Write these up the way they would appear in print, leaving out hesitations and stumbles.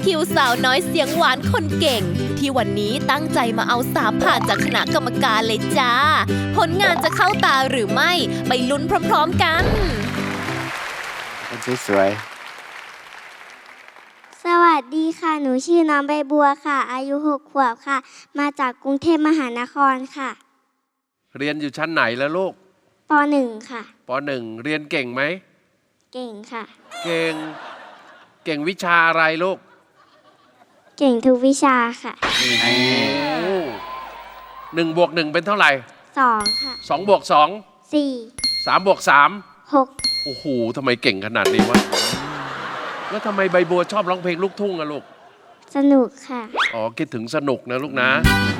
คิวสาวน้อยเสียงหวานคนเก่ง ที่วันนี้ตั้งใจมาเอา3ผ่านจากคณะกรรมการเลยจ้าผลงานจะเข้าตาหรือไม่ไปลุ้นพร้อมๆกันสวยสวัสดีค่ะหนูชื่อน้องใบบัวค่ะอายุ6 ขวบค่ะมาจากกรุงเทพมหานครค่ะเรียนอยู่ชั้นไหนแล้วลูกป .1 ค่ะป .1 เรียนเก่งไหมเก่งค่ะเก่งวิชาอะไรลูกเก่งทุกวิชาค่ะ 1 บวก 1เป็นเท่าไหร่ 2ค่ะ 2 บวก 2 4 3 บวก 3 6 โอ้โหทำไมเก่งขนาดนี้วะแล้วทำไมใบบัวชอบร้องเพลงลูกทุ่งอะลูกสนุกค่ะอ๋อคิดถึงสนุกนะลูกนะ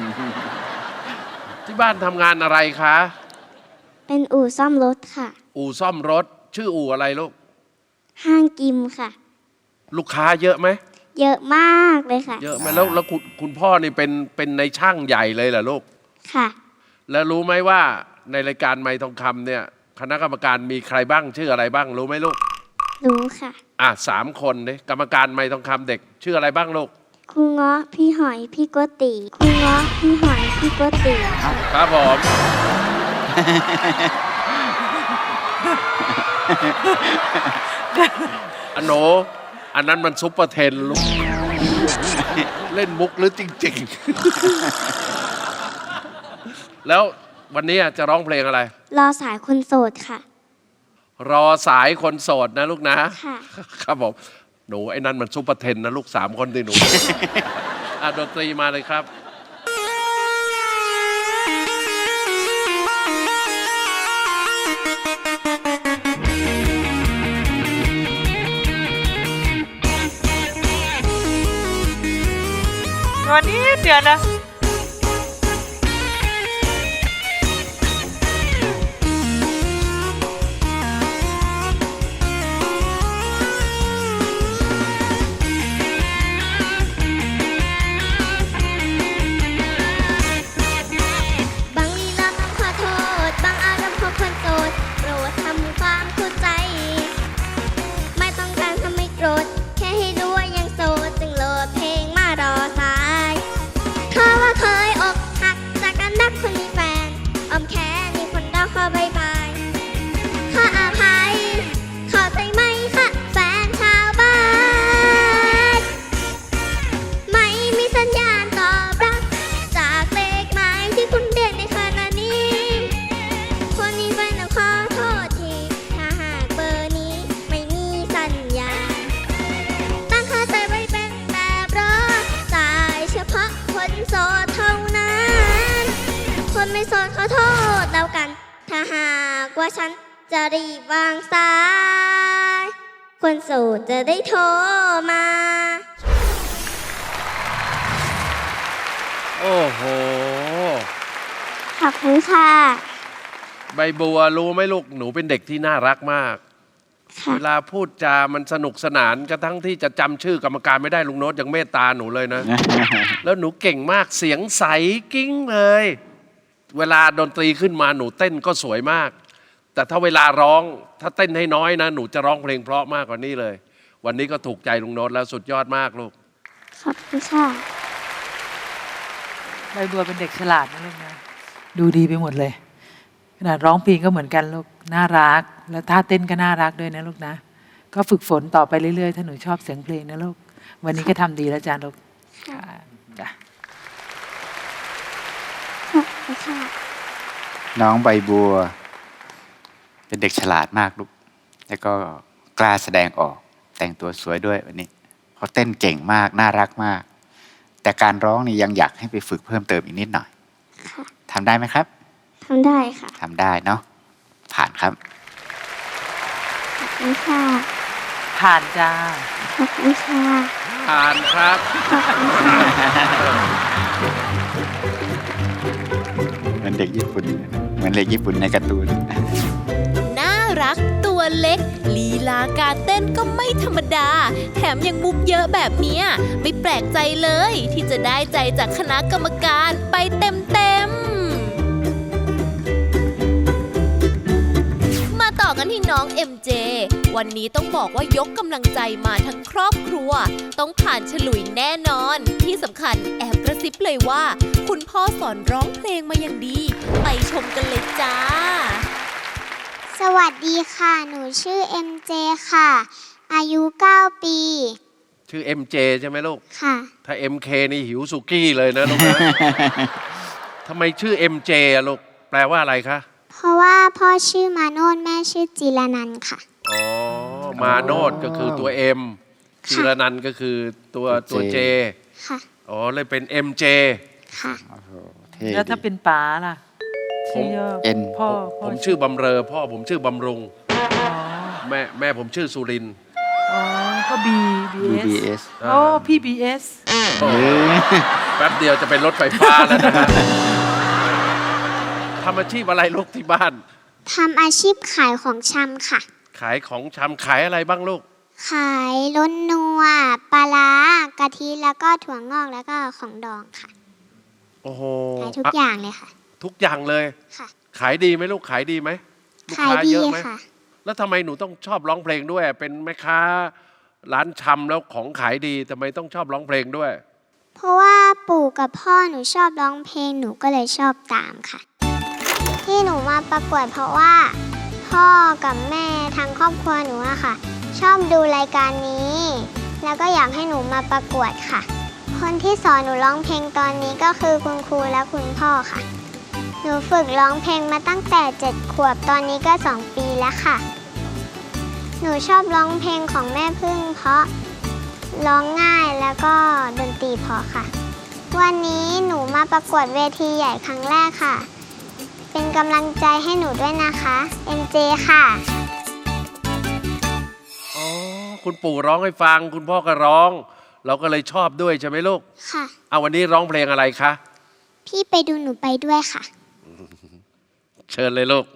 ที่บ้านทำงานอะไรคะเป็นอู่ซ่อมรถค่ะอู่ซ่อมรถชื่ออู่อะไรลูกห้างกิมค่ะลูกค้าเยอะไหมเยอะมากเลยค่ะเยอะไหมแล้วคุณพ่อนี่เป็นในช่างใหญ่เลยเหรอลูกค่ะแล้วรู้ไหมว่าในรายการไมค์ทองคำเนี่ยคณะกรรมการมีใครบ้างชื่ออะไรบ้างรู้ไหมลูกรู้ค่ะ 3 คนเนี่ยกรรมการไมค์ทองคำเด็กชื่ออะไรบ้างลูกครูเงาะพี่หอยพี่โกติครูเงาะพี่หอยพี่โกติครับผมอันโนอันนั้นมันซุปเปอร์เทนลูกเล่นมุกหรือจริงๆแล้ววันนี้จะร้องเพลงอะไรรอสายคนโสดค่ะรอสายคนโสดนะลูกนะค่ะครับผมหนูไอ้นั่นมันซุปเปอร์เทนนะลูก3 คนที่หนูดนตรีมาเลยครับวันนี้เดี๋ยวนะไม่สนขอโทษแล้วกันถ้าหากว่าฉันจะรีบวางสายคนโสดจะได้โทรมาโอ้โหขอบคุณค่ะใบบัวรู้ไหมลูกหนูเป็นเด็กที่น่ารักมากเวลาพูดจามันสนุกสนานกระทั่งที่จะจำชื่อกรรมการไม่ได้ลุงโน้ตยังเมตตาหนูเลยนะ แล้วหนูเก่งมากเสียงใสกิ้งเลยเวลาดนตรีขึ้นมาหนูเต้นก็สวยมากแต่ถ้าเวลาร้องถ้าเต้นให้น้อยนะหนูจะร้องเพลงเพราะมากกว่านี้เลยวันนี้ก็ถูกใจลุงโน้ตแล้วสุดยอดมากลูกขอบคุณค่ะใบบัวเป็นเด็กฉลาดนะลูกนะดูดีไปหมดเลยขนาดร้องเพลงก็เหมือนกันลูกน่ารักแล้วท่าเต้นก็น่ารักด้วยนะลูกนะก็ฝึกฝนต่อไปเรื่อยๆถ้าหนูชอบเสียงเพลงนะลูกวันนี้ก็ทำดีแล้วจ้าลูกจ้ะน้องใบบัวเป็นเด็กฉลาดมากลูกแล้วก็กล้าแสดงออกแต่งตัวสวยด้วยวันนี้เขาเต้นเก่งมากน่ารักมากแต่การร้องนี่ยังอยากให้ไปฝึกเพิ่มเติมอีกนิดหน่อยทำได้ไหมครับทำได้ค่ะทำได้เนาะผ่านครับขอบคุณค่ะผ่านจ้าขอบคุณค่ะผ่านครับเหมือนเด็กญี่ปุ่นเหมือนเด็กญี่ปุ่นในการ์ตูนน่ารักตัวเล็กลีลาการเต้นก็ไม่ธรรมดาแถมยังมุกเยอะแบบนี้ไม่แปลกใจเลยที่จะได้ใจจากคณะกรรมการไปเต็มๆมาต่อกันที่น้อง MJ วันนี้ต้องบอกว่ายกกำลังใจมาทั้งครอบครัว ต้องผ่านฉลุยแน่นอน ที่สำคัญแอบกระซิบเลยว่า คุณพ่อสอนร้องเพลงมาอย่างดี ไปชมกันเลยจ้าสวัสดีค่ะ หนูชื่อ MJ ค่ะ อายุ 9 ปีชื่อ MJ ใช่ไหมลูกค่ะถ้า MK นี่หิวสุกี้เลยนะลูกนะ ทำไมชื่อ MJ อะลูก แปลว่าอะไรคะเพราะว่าพ่อชื่อมาโนดแม่ชื่อจิรนันท์ค่ะอ๋อ มาโนดก็คือตัว M จิรนันท์ก็คือตัว J ค่ะอ๋อ เลยเป็น MJ ค่ะโอ้โหเท่แล้วถ้าดีเป็นป๋าล่ะชื่อย่อเอ็นพ่อผมชื่อบำเรอ พ่อผมชื่อบำรุงอ๋อแม่ผมชื่อสุรินทร์อ๋อก็ BBS BBS โอ้พี่ BS เอ้ยแป๊บเดียวจะเป็นรถไฟฟ้าแล้วนะฮะทำอาชีพอะไรลูกที่บ้านทำอาชีพขายของชำค่ะขายของชำขายอะไรบ้างลูกขายล้นนัวปลาร้ากะทิแล้วก็ถั่วงอกแล้วก็ของดองค่ะโอ้โหขายทุกอย่างเลยค่ะทุกอย่างเลยค่ะขายดีไหมลูกขายดีไหมลูกขายค้าดีเยอะไหมค่ะแล้วทำไมหนูต้องชอบร้องเพลงด้วย เป็นแม่ค้าร้านชำแล้วของขายดีทำไมต้องชอบร้องเพลงด้วยเพราะว่าปู่กับพ่อหนูชอบร้องเพลงหนูก็เลยชอบตามค่ะ ที่หนูมาประกวดเพราะว่า พ่อกับแม่ทางครอบครัวหนูอะค่ะ ชอบดูรายการนี้ แล้วก็อยากให้หนูมาประกวดค่ะ คนที่สอนหนูร้องเพลงตอนนี้ก็คือคุณครูและคุณพ่อค่ะ หนูฝึกร้องเพลงมาตั้งแต่ 7 ขวบตอนนี้ก็ 2 ปีแล้วค่ะ หนูชอบร้องเพลงของแม่พึ่งเพราะร้องง่ายแล้วก็ดนตรีเพราะค่ะ วันนี้หนูมาประกวดเวทีใหญ่ครั้งแรกค่ะ เป็นกำลังใจให้หนูด้วยนะคะ MJ ค่ะอ๋อ คุณปู่ร้องให้ฟัง คุณพ่อก็ร้อง เราก็เลยชอบด้วยใช่ไหมลูกค่ะเอาวันนี้ร้องเพลงอะไรคะพี่ไปดูหนูไปด้วยค่ะเชิญเลยลูก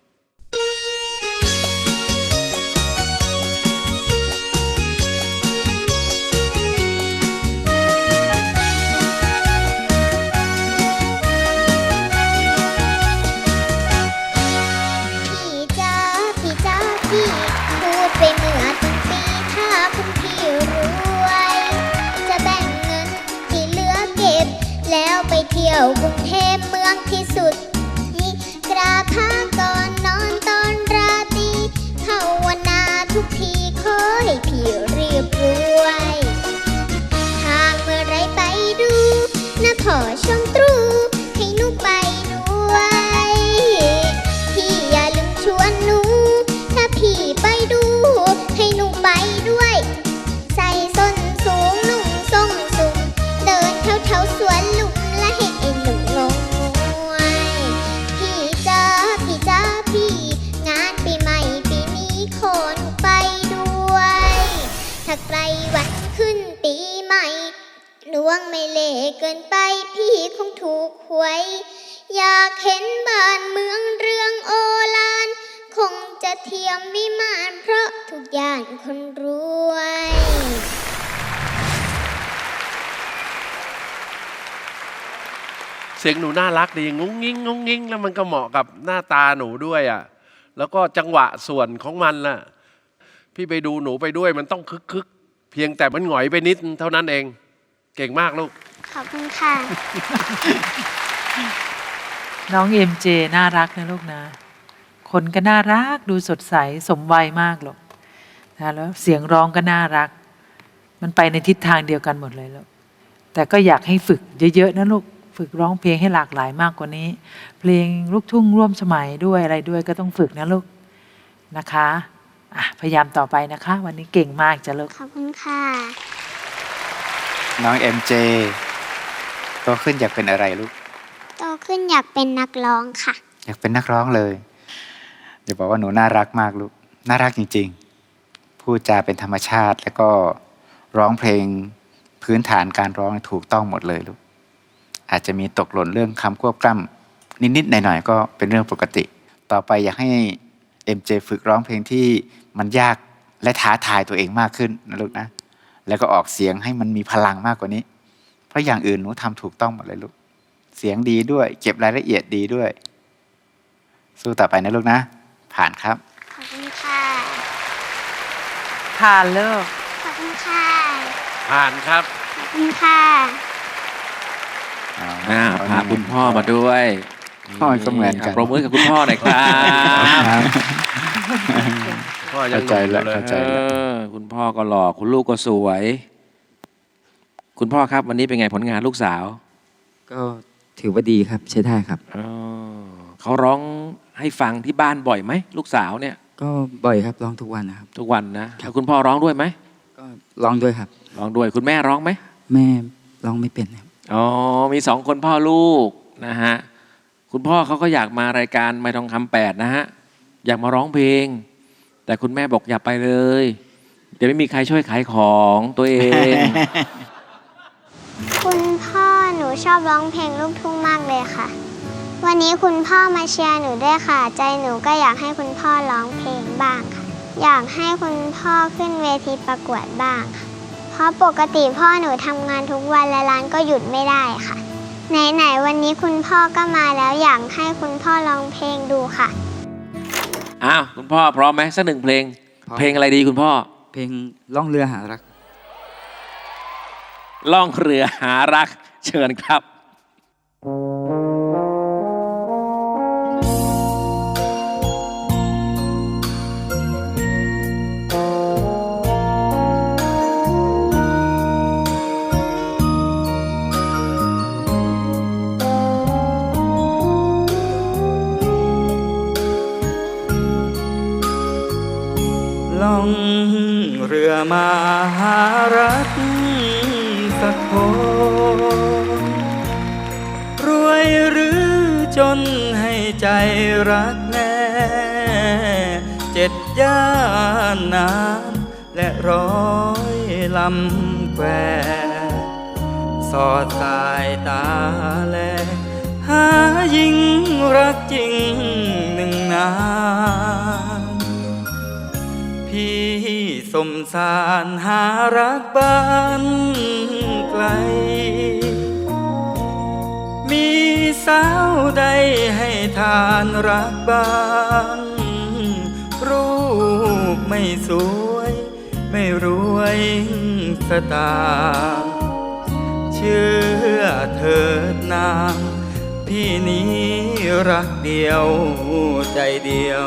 พี่จ้าพี่จ้าพี่พูดไปเมื่อต้นปีถ้าคุณพี่รวย จะแบ่งเงินที่เหลือเก็บ แล้วไปเที่ยวกรุงเทพเมืองที่สุดนี่กราบพระก่อนนอนตอนราตรีภาวนาทุกทีขอให้พี่เรียบรวยทางเมื่อไรไปดูนะพ่อชมตรูให้หนูไปด้วย พี่อย่าลืมชวนหนู ถ้าพี่ไปดู ให้หนูไปด้วย ใส่ส้นสูงนุ่งทรงสูง เดินแถวสวนลุมและให้ไอ้หนุ่มงงงวย พี่จ้าพี่จ้าพี่ งานปีใหม่ปีนี้ขอหนูไปด้วย ถ้าไกลวันขึ้นปีใหม่ดวงไม่เล่เกินไปพี่คงถูกหวย อยากเห็นบ้านเมืองเรืองโอฬารคงจะเทียมวิมานเพราะทุกอย่างคนรวยเสียงหนูน่ารักดีงุ้งงิ้งงุ้งงิ้งแล้วมันก็เหมาะกับหน้าตาหนูด้วยอ่ะ แล้วก็จังหวะส่วนของมันล่ะ พี่ไปดูหนูไปด้วยมันต้องคึกๆ เพียงแต่มันหงอยไปนิดเท่านั้นเอง เก่งมากลูกขอบคุณค่ะน้อง MJ น่ารักนะลูกนะ คนก็น่ารักดูสดใสสมวัยมากหรอกนะแล้วเสียงร้องก็น่ารัก มันไปในทิศทางเดียวกันหมดเลยลูกแต่ก็อยากให้ฝึกเยอะๆนะลูกฝึกร้องเพลงให้หลากหลายมากกว่านี้ เพลงลูกทุ่งร่วมสมัยด้วยอะไรด้วยก็ต้องฝึกนะลูกนะคะอ่ะพยายามต่อไปนะคะ วันนี้เก่งมากจ้ะลูกขอบคุณค่ะน้อง MJ โตขึ้นอยากเป็นอะไรลูกโตขึ้นอยากเป็นนักร้องค่ะอยากเป็นนักร้องเลยอย่าบอกว่าหนูน่ารักมากลูก น่ารักจริงๆ พูดจาเป็นธรรมชาติแล้วก็ร้องเพลงพื้นฐานการร้องถูกต้องหมดเลยลูก อาจจะมีตกหล่นเรื่องคำควบกล้ำนิดๆหน่อยๆก็เป็นเรื่องปกติ ต่อไปอยากให้ MJ ฝึกร้องเพลงที่มันยากและท้าทายตัวเองมากขึ้นนะลูกนะ แล้วก็ออกเสียงให้มันมีพลังมากกว่านี้ เพราะอย่างอื่นหนูทำถูกต้องหมดเลยลูก เสียงดีด้วย เก็บรายละเอียดดีด้วย สู้ต่อไปนะลูกนะ ผ่านครับขอบคุณผ่านเลิกขอบคุณค่ะผ่านครับขอบคุณค่ะพาคุณพ่อมาด้วยพ่อก็เหมือนกันปรบมือกับคุณพ่อหน่อยครับพ่อยังเข้าใจแล้วหนุ่มอยู่เข้าใจคุณพ่อก็หล่อคุณลูกก็สวย คุณพ่อครับวันนี้เป็นไงผลงานลูกสาวก็ถือว่าดีครับใช้ได้ครับเขาร้องให้ฟังที่บ้านบ่อยไหมลูกสาวเนี่ยก็บ่อยครับร้องทุกวันนะครับทุกวันนะแล้วคุณพ่อร้องด้วยไหมก็ร้องด้วยครับร้องด้วยคุณแม่ร้องไหมแม่ร้องไม่เป็นครับอ๋อมีสองคนพ่อลูกนะฮะคุณพ่อเขาก็อยากมารายการไมค์ทองคำ8นะฮะอยากมาร้องเพลง แต่คุณแม่บอกอย่าไปเลยเดี๋ยวไม่มีใครช่วยขายของตัวเองคุณพ่อหนูชอบร้องเพลงลูกทุ่งมากเลยค่ะ วันนี้คุณพ่อมาเชียร์หนูด้วยค่ะ ใจหนูก็อยากให้คุณพ่อร้องเพลงบ้างค่ะ อยากให้คุณพ่อขึ้นเวทีประกวดบ้างค่ะเพราะปกติพ่อหนูทำงานทุกวันและร้านก็หยุดไม่ได้ค่ะ ไหนๆวันนี้คุณพ่อก็มาแล้วอยากให้คุณพ่อร้องเพลงดูค่ะอ้าวคุณพ่อพร้อมไหมสักหนึ่งเพลงพร้อมเพลงอะไรดีคุณพ่อเพลงล่องเรือหารักล่องเรือหารักเชิญครับล่องเรือมาหารักสักคนรวยหรือจนให้ใจรักแน่7 ย่านน้ำและ100 ลำแควสอดสายตาแลหาหญิงรักจริง1 นานพี่สมสารหารักบ้านไกล มีสาวใดให้ทานรักบ้างรูปไม่สวยไม่รวยสตางค์เชื่อเถิดนางพี่นี้รักเดียวใจเดียว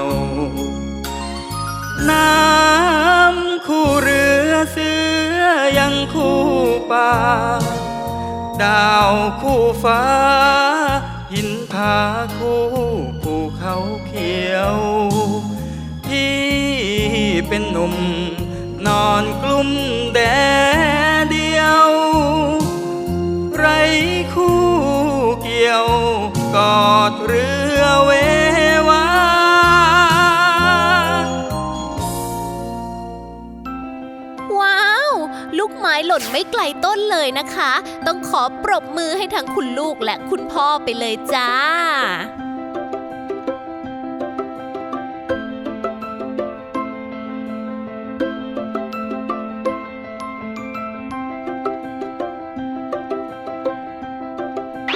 น้ำคู่เรือเสือยังคู่ป่าดาวคู่ฟ้าหินผาคู่ภูเขาเขียวพี่เป็นหนุ่มนอนกลุ่มแดดเดียวไรคู่เกี่ยวกอดเรือเววาว้าว ลูกไม้หล่นไม่ไกลต้นเลยนะคะ ต้องขอปรบมือให้ทั้งคุณลูกและคุณพ่อไปเลยจ้า